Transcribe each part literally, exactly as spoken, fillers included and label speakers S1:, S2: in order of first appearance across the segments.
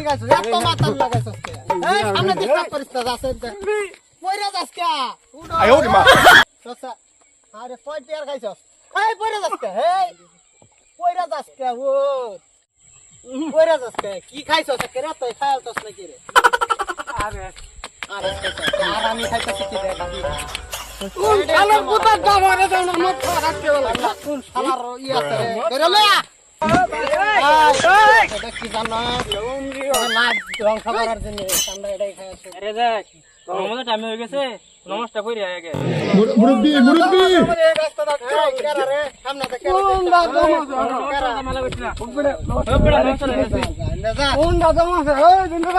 S1: গাছ এত মাথা লাগাইছস কে এই সামনে দিকটা পরিস্থিতি আছে পয়রা যাস কে
S2: আয় ওরে মা
S1: সসা আরে পয় টিয়ার খাইছস এই পয়রা যাস কে এই পয়রা যাস কে ও পয়রা যাস কে কি খাইছস কে রে তুই খাইছস নাকি রে আরে আরে আর আমি খাইতেছি কি রে কোন শালার পুতা গামারে দাও না মত রাখতে বলা কোন শালার ই আছে রে বেরে লে এই এটা কি জানো লাভ রং খাবারের জন্য আমরা এটাই খাইছি
S3: আরে দেখ আমাদের টাইম হয়ে গেছে নমস্কার করি আগে
S2: মুরব্বি মুরব্বি
S1: এই রাস্তা দাও কেরা রে সামনে থেকে কোন দাদা
S3: নমস্কার মালা করছ না উপরে উপরে নমস্কার
S1: যা কোন দাদা মাছ এই দিন দাদা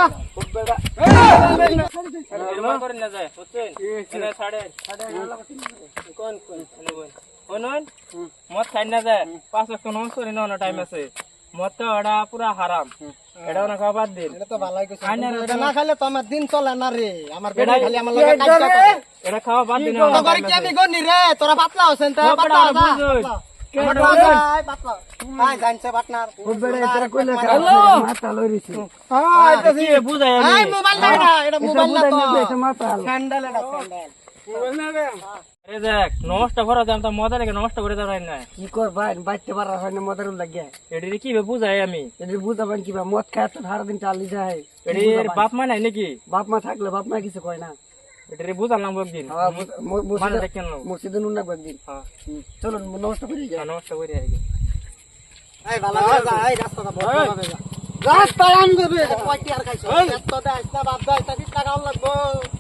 S3: নির্মাণ করে না যায় বুঝছেন এনে সাড়ে কোন কোন কোন মত খাই না যায় পাঁচ লাখ নমস্কার করে না টাইম আছে মত তো এটা পুরা হারাম এটা না খাওয়া বাদ দিন
S1: এটা তো ভালোই কইছ এটা না খাইলে তো আমার দিন চলে না রে আমার বেটা খালি আমার লগে কাজ করে
S3: এটা খাওয়া বাদ দিন
S1: তো করে কি আমি গনি রে তোরা পাতলা হছেন তা পাতলা যা আমার ভাই পাতলা ভাই জানছে পার্টনার
S4: বেড়ে এটা কইলে মাথা লইরিছি
S1: হ্যাঁ এটা
S3: কি বুঝাই আমি
S1: এই মোবাইল না এটা এটা মোবাইল না তো
S4: মাথা
S1: স্যান্ডেল এটা স্যান্ডেল মোবাইল না রে
S3: আরে দেখ নমস্কার করে দাম তো মজা লাগে নমস্কার করে দাও না
S4: কি কর ভাই বাইতে পারা হয় না মদের লাগে
S3: এডি কি বুঝাই আমি
S4: এটি বুঝাবেন কি মদ খায় তো সারা দিন চালি যায়
S3: এডির বাপ মা নাই নাকি
S4: বাপ মা থাকলে বাপ মা কিছু কয় না
S3: এটারে বুঝালাম একদিন মানে দেখেন না
S4: মসজিদে নুন রাখবো একদিন
S3: হ্যাঁ
S4: চলো নমস্কার করে যাই
S3: নমস্কার করে আগে
S1: এই ভালো করে যা এই রাস্তাটা বড় হবে যা রাস্তা আম দেবে কয়টি আর খাইছো এতটা আসনা বাপ দাও এটা বিশ টাকা লাগবো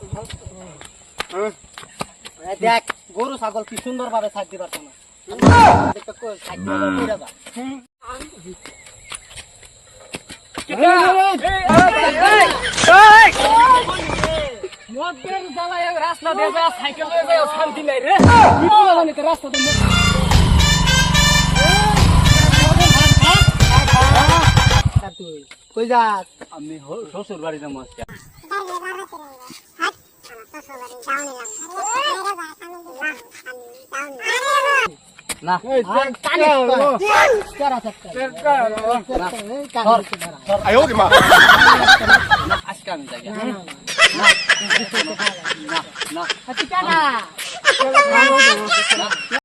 S1: এই দেখ গরু ছাগল কি সুন্দর ভাবে ছাড় দিবার না দেখতে কই ছাড় দিবার কইরা যা
S3: মদের জ্বালায় রাস্তা দিয়ে যা সাইকেল লয়ে যায় শান্তি নাই রে কি বলা জানি তো রাস্তা তো
S1: তুই কই যাস
S3: আমি শ্বশুর বাড়ি যাবো আজকে না
S2: আয় ওরে মা
S3: আজকে আমি যাই
S1: না না